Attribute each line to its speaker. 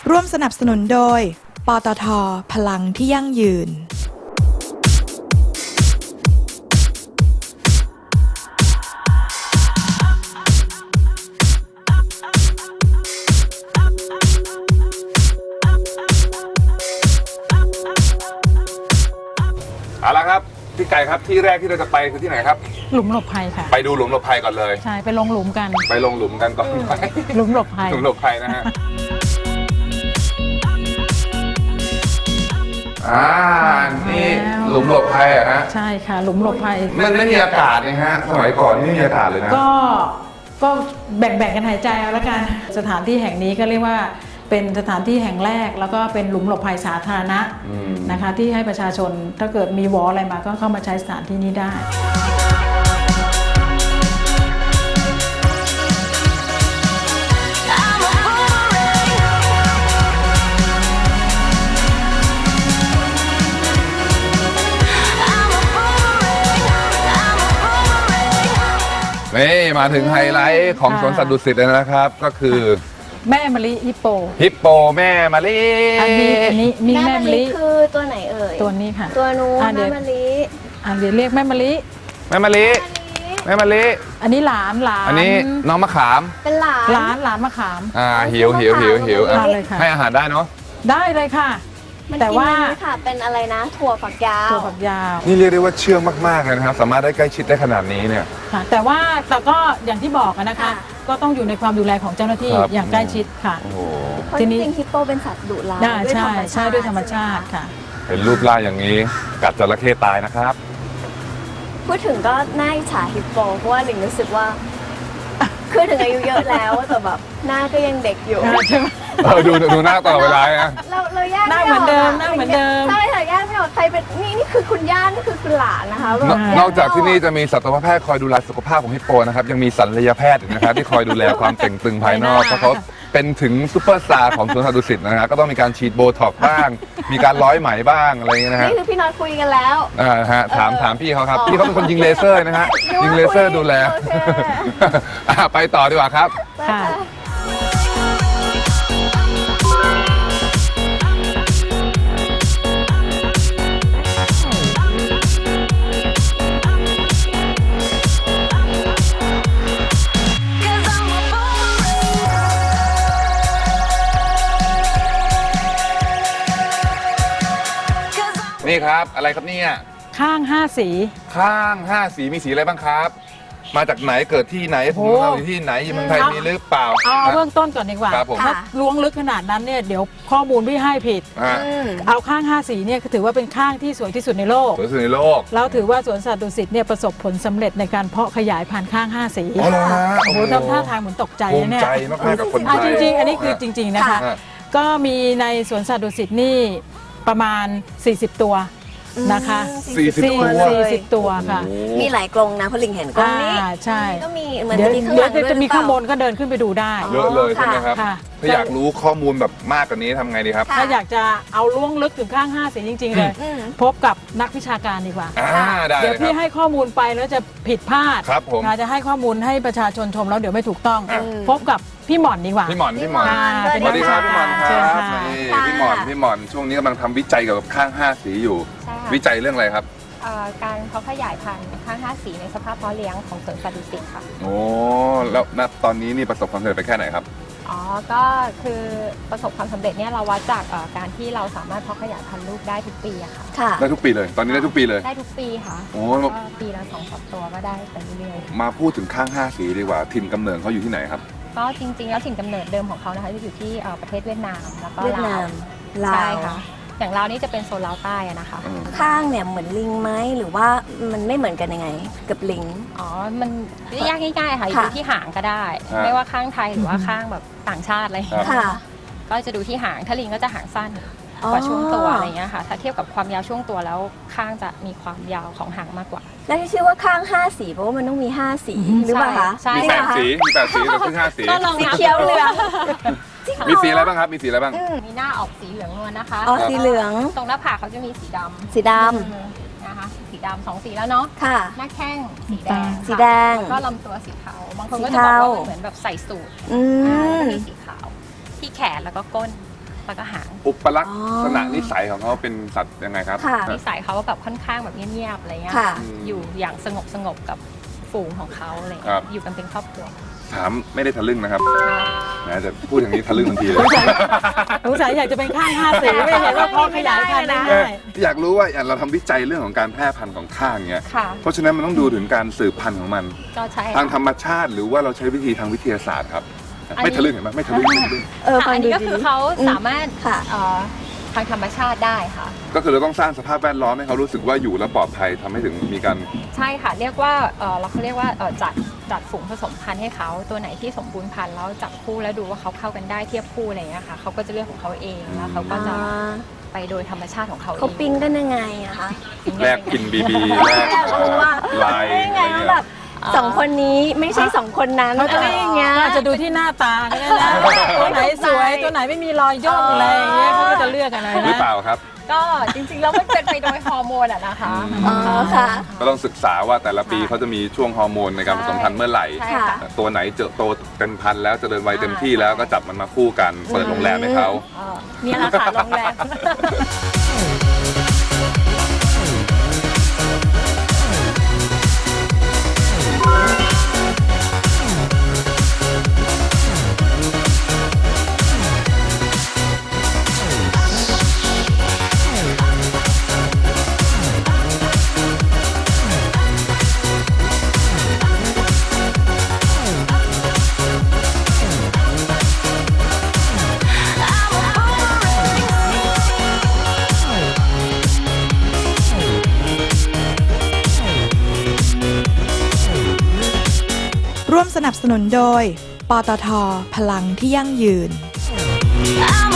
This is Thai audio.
Speaker 1: ร่วมสนับสนุนโดยปตท.พลังที่ยั่งยืน
Speaker 2: เอาละครับพี่ไก่ครับที่แรกที่เราจะไปคือที่ไหนครับ
Speaker 3: หลุมหลบภัยค่ะ
Speaker 2: ไปดูหลุมหลบภัยก่อนเลย
Speaker 3: ใช่ไปลงหลุมกัน
Speaker 2: ไปลงหลุมกันก่อน
Speaker 3: หลุมหลบภัย
Speaker 2: หลุมหลบภัยนะฮะนี่หลุมหลบภัยอะฮะ
Speaker 3: ใช่ค่ะหลุมหลบภัย
Speaker 2: มันไม่มีอากาศนะฮะสมัยก่อนนี่ไม่มีอากาศเลยนะ
Speaker 3: ก็แบ่งกันหายใจเอาละกันสถานที่แห่งนี้ก็เรียกว่าเป็นสถานที่แห่งแรกแล้วก็เป็นหลุมหลบภัยสาธารณะนะคะที่ให้ประชาชนถ้าเกิดมีวออะไรมาก็เข้ามาใช้สถานที่นี้ได้
Speaker 2: นี่มาถึงไฮไลท์ของสวนสัตว์ดุสิตแล้วนะครับก็คือ
Speaker 3: แม่มะลิฮิปโป
Speaker 2: ฮิปโปแม่มะลิ
Speaker 3: อันนี้มีแม่มะลิ
Speaker 4: คือตัวไหนเอ่ย
Speaker 3: ตัวนี้ค่ะ
Speaker 4: ตัวนู้นแม่มะลิ
Speaker 3: เดี๋ยวเรียกแม่มะลิ
Speaker 2: แม่มะลิแม่มะลิ
Speaker 3: อันนี้หลาน
Speaker 2: อันนี้น้องมะขาม
Speaker 4: เป็นหลาน
Speaker 3: หลานมะขาม
Speaker 2: หิว
Speaker 3: ทานเลยค่ะ
Speaker 2: ให้อาหารได้เนาะ
Speaker 3: ได้เลยค่ะ
Speaker 4: มัน
Speaker 3: แต่
Speaker 4: กิน
Speaker 3: ว่า
Speaker 4: อันนี้ค่ะเป็นอะไรนะ ถั่วฝักยาว
Speaker 3: ตัวฝักยาว
Speaker 2: นี่เรียกได้ว่าเชื่องมากๆเลยนะครับสามารถได้ใกล้ชิดได้ขนาดนี้เนี่ย
Speaker 3: ค่ะแต่ก็อย่างที่บอกนะคะ ก็ต้องอยู่ในความดูแลของเจ้าหน้าที่
Speaker 2: ครับ
Speaker 3: อย่างใกล้ชิดค่ะ
Speaker 2: โอ้โห
Speaker 4: เพราะ
Speaker 3: ที
Speaker 4: จ
Speaker 3: นี้
Speaker 4: ริงๆฮิปโปเป็นสัตว์ดุร้าย
Speaker 3: ได้
Speaker 4: ด้วย
Speaker 3: ใช่ด้วยธรรมชาติ
Speaker 4: ใไหม
Speaker 3: ค่ะ
Speaker 2: เห็นรูปร่างอย่างนี้ กัดจระเข้ตายนะครับ
Speaker 4: พูดถึงก็น่าอิจฉาฮิปโปเพราะว่าหลิงรู้สึกว่าคือถึงอายุเยอะแล้วแต่แบบหน้าก็ยังเด็กอยู่
Speaker 3: ใช่ไหม
Speaker 2: ดูหน้าตลอดเวลานะ
Speaker 4: เราแยก
Speaker 3: หน้าเหมือนเดิมหน้าเหมือนเดิม
Speaker 4: ใช่ค่ะแยกไม่ออกใครเป็นนี่คือคุณย่านี่คือคุณหลานนะคะแบบ
Speaker 2: นอกจากที่นี่จะมีสัตวแพทย์คอยดูแลสุขภาพของฮิปโปนะครับยังมีศัลยแพทย์อีกนะครับที่คอยดูแลความเต่งตึงภายนอกเพราะเขาเป็นถึงซูเปอร์สตาร์ของสวนสัตว์ดุสิตนะครับก็ต้องมีการฉีดโบท็อกซ์บ้าง มีการร้อยไหมบ้างอะไรอย่างเงี้ยนะฮะ
Speaker 4: นี่คือพี่น็อตคุยกันแล้ว
Speaker 2: ฮะถามพี่เขาครับพี่เขาเป็นคนยิงเลเซอร์นะฮะยิงเลเซอร์ดูแล
Speaker 4: โอเค
Speaker 2: ไปต่อดีกว่าครับ
Speaker 3: ค่ะ
Speaker 2: นี่ครับอะไรครับเนี่ย
Speaker 3: ข้าง 5 สี
Speaker 2: ข้าง5สีมีสีอะไรบ้างครับ มาจากไหนเกิดที่ไหนผมเราอยู่ที่ไหนอยู่เมืองไทยมีหรือเปล่า
Speaker 3: เอาเบื้องต้นก่อนดีกว่า
Speaker 2: ครับผม
Speaker 3: ถ้าล้วงลึกขนาดนั้นเนี่ยเดี๋ยวข้อมูลพี่ให้ผิด
Speaker 2: อ่า
Speaker 3: เอาข้าง 5 สีเนี่ยถือว่าเป็นข้างที่สวยที่สุดในโลก
Speaker 2: สวยสุดในโลก
Speaker 3: เราถือว่าสวนสัตว์ดุสิตเนี่ยประสบผลสำเร็จในการเพาะขยายพันธุ์ข้าง 5 สี
Speaker 2: อ๋อเหรอฮะ
Speaker 3: โอ้โหทำท่าทางเหมือนตกใจ
Speaker 2: ภู
Speaker 3: นะ
Speaker 2: มิ
Speaker 3: เนี่ย
Speaker 2: ใจมากๆกับคนไทย
Speaker 3: จริงๆ อันนี้คือจริง ๆ นะคะ
Speaker 2: ค่ะ
Speaker 3: ก็มีในสวนสัตว์ดุสิตนี่ประมาณ 40 ตัวนะคะ
Speaker 2: 40 ตัว
Speaker 3: 40 ตัวค่ะ
Speaker 4: มีหลายกรงนะเพราะหลิงเห็นกรงนี้
Speaker 3: ใช่
Speaker 4: ก็มีเหมือน
Speaker 3: เดี๋ยว
Speaker 4: จะมีข้างหลังด้วย
Speaker 3: จะมีข้างบนก็เดินขึ้นไปดูได้
Speaker 2: เยอะเลยใช่ไหมครับ
Speaker 3: ค่ะ
Speaker 2: ถ้าอยากรู้ข้อมูลแบบมากกว่านี้ทำไงดีครับ
Speaker 3: ถ้าอยากจะเอาล้วงลึกถึงข้าง 5 สีจริง ๆ เลย พบกับนักวิชาการดีกว่า
Speaker 2: ได้
Speaker 3: เดี๋ยว
Speaker 2: เลยค
Speaker 3: พี่
Speaker 2: รับ
Speaker 3: ให้ข้อมูลไปแล้วจะผิดพลาด
Speaker 2: ครับผม
Speaker 3: จะให้ข้อมูลให้ประชาชนชมแล้วเดี๋ยวไม่ถูกต้อง พบกับพี่หม่อนดีกว่า
Speaker 2: พี่หมอน
Speaker 3: ค่ะ
Speaker 2: สวัสดีครับพี่หมอนค
Speaker 3: เชิญ
Speaker 2: รับ
Speaker 3: ค่ะ
Speaker 2: นี่พี่หมอนช่วงนี้กำลังทำวิจัยเกี่ยวกับข้าง5สีอยู่
Speaker 5: ใช่ค่ะ
Speaker 2: วิจัยเรื่องอะไรครับ
Speaker 5: การเพาะขยายพันธุ์ข้าง5สีในสภาพเพาะเลี้ยงของสวนสัตว์ดุสิตค่ะ
Speaker 2: โอ้แล้วณตอนนี้นี่ประสบความสำเร็จไปแค่ไหนครับ
Speaker 5: อ๋อ ก็คือประสบความสำเร็จเนี่ยเราวัดจากการที่เราสามารถเพาะขยายพันธุ์ลูกได้ทุกปีอะค่ะ
Speaker 4: ค่ะ
Speaker 2: ได้ทุกปีเลย ตอนนี้ได้ทุกปีเลย
Speaker 5: ได้ทุกปีค่ะ
Speaker 2: โอ้
Speaker 5: ก็ปีละ2-3 ตัวก็ได้ไปเรื่อย
Speaker 2: มาพูดถึงข้าง5สีดีกว่าถิ่นกำเนิดเขาอยู่ที่ไหนครับ
Speaker 5: ๆ ก็จริงๆ แล้วถิ่นกำเนิดเดิมของเขานะคะจะอยู่ที่ประเทศเวียดนามแล้วก็
Speaker 4: เวียดนามลาว
Speaker 5: ใช่ค่ะ อย่างลาวนี่จะเป็นโซนลาวใต้อะนะคะ
Speaker 4: ข้างเนี่ยเหมือนลิงไหมหรือว่ามันไม่เหมือนกันยังไง กับลิง
Speaker 5: อ๋อ มันยากง่ายๆค่ะ
Speaker 4: ค่ะ
Speaker 5: ดูที่หางก็ได้
Speaker 2: ฮะ
Speaker 5: ไม่ว่าข้างไทยหรือว่าข้างแบบต่างชาติอะไรอย่างเงี้ย
Speaker 4: ค่ะ
Speaker 5: ก็จะดูที่หางถ้าลิงก็จะหางสั้นกว่าช่วงตัวอะไรเงี้ยค่ะ ถ้าเทียบกับความยาวช่วงตัวแล้วข้างจะมีความยาวของหางมากกว่า
Speaker 4: แล้วที่ชื่อว่าข้าง5สีเพราะว่ามันต้องมี5สีหรือเปล่าคะ
Speaker 5: ใช่
Speaker 2: มี
Speaker 4: จริง
Speaker 2: 8
Speaker 4: เหรอคะ
Speaker 2: สีมี8สีแต่เพิ่ง5สี
Speaker 5: ก็ลอง
Speaker 4: สี
Speaker 5: นับ
Speaker 4: เขียวเหลือง
Speaker 2: มีสีอะไรบ้างครับ มีสีอะไรบ้าง
Speaker 5: มีหน้าออกสีเหลืองนวลนะคะ
Speaker 4: อ๋อสีเหลือง
Speaker 5: ตรงหน้าผากเขาจะมีสีดำ
Speaker 4: สีด
Speaker 5: นะคะ สีดำ2 สีแล้วเนาะ
Speaker 4: ำค่ะ
Speaker 5: หน้าแข้งสีแดง
Speaker 4: สีแดง
Speaker 5: แล้วก็ลำตัวสีเทาบางคนก็
Speaker 4: สี
Speaker 5: จะบอก
Speaker 4: เทา
Speaker 5: ว่ามันเหมือนแบบใส่สูท
Speaker 4: อื
Speaker 5: แล้ว
Speaker 4: ม
Speaker 5: ก็มีสีขาว ที่แขนแล้วก็ก้นแล้วก็หาง
Speaker 2: อุปลักษณะนิสัยของเขาเป็นสัตว์ยังไงครับ
Speaker 4: ค่ะ
Speaker 5: นิสัยเขาแบบค่อนข้างแบบเงียบๆอะไรเงี้ย
Speaker 4: ค่ะ
Speaker 5: อยู่อย่างสงบกับฝูงของเขาอะไร
Speaker 2: ครั
Speaker 5: เงี้
Speaker 2: บ
Speaker 5: ยอยู่กันเป็นครอบครัว
Speaker 2: ถามไม่ได้ทะลึ่งนะครับนะจะพูดอย่างนี้ทะลึ่งทันทีเลย
Speaker 3: สงสัยอยากจะเป็นข้าง5 สีไม่เห็นว่าพอขยายพันธุ์ได้
Speaker 2: อยากรู้ว่าอย่างเราทำวิจัยเรื่องของการแพร่พันธุ์ของข้างเงี้ย
Speaker 5: ค่ะ
Speaker 2: เพราะฉะนั้นมันต้องดูถึงการสืบพันธุ์ของมัน
Speaker 5: ก็ใช่
Speaker 2: ทางธรรมชาติหรือว่าเราใช้วิธีทางวิทยาศาสตร์ครับ ไม่ทะลึ่งเห็นไหมไม่ทะลึ่งไม่ทะลึ่ง
Speaker 5: ค่ะอันนี้ก็คือเขาสามารถ
Speaker 4: ค่ะ
Speaker 5: ทางธรรมชาติได้ค่ะ
Speaker 2: ก็คือเราต้องสร้างสภาพแวดล้อมให้เขารู้สึกว่าอยู่แล้วปลอดภัยทำให้ถึงมีการ
Speaker 5: ใช่ค่ะเรียกว่าเขาเรียกว่าจัดฝูงผสมพันธุ์ให้เขาตัวไหนที่สมบูรณ์พันธุ์แล้วจับคู่แล้วดูว่าเขาเข้ากันได้เทียบคู่อะไรอย่างเงี้ยค่ะเขาก็จะเลือกของเขาเองแล้วเขาก็จะไปโดยธรรมชาติของเขาเอง
Speaker 4: เขาปิ้งกันยังไงอะคะ
Speaker 2: แลกกินบีบีแลก
Speaker 4: อยากรู้ว่า
Speaker 2: ลาย
Speaker 4: ได้ไง
Speaker 2: อะไร
Speaker 4: ว่า
Speaker 2: เงี้ย
Speaker 4: แบบสองคนนี้ไม่ใช่สองคนนั้น
Speaker 3: เขาจะ
Speaker 4: อะไรอย่างเงี้ย
Speaker 3: อาจจะดูที่หน้าตาก็ได้นะตัวไหนสวยตัวไหนไม่มีรอยย่นอะไรอย่างเงี้ยเขาก็จะเลือกกันนะ
Speaker 2: หรือเปล่าครับ
Speaker 5: ก็จริงๆแล้วมันเป็นไปโดยฮอร์โมนอะนะคะ
Speaker 4: อ๋อค่ะ
Speaker 2: ก็ต้องศึกษาว่าแต่ละปีเขาจะมีช่วงฮอร์โมนในการผสมพันธุ์เมื่อไหร่
Speaker 5: ใช่ค่ะ
Speaker 2: ตัวไหนเจอโตเป็นพันธุ์แล้วเจริญวัยเต็มที่แล้วก็จับมันมาคู่กันเปิดโรงแรมให้เขา
Speaker 5: เนี่ยแหละค่ะโรงแรม
Speaker 1: ร่วมสนับสนุนโดย ปตท พลังที่ยั่งยืน
Speaker 6: I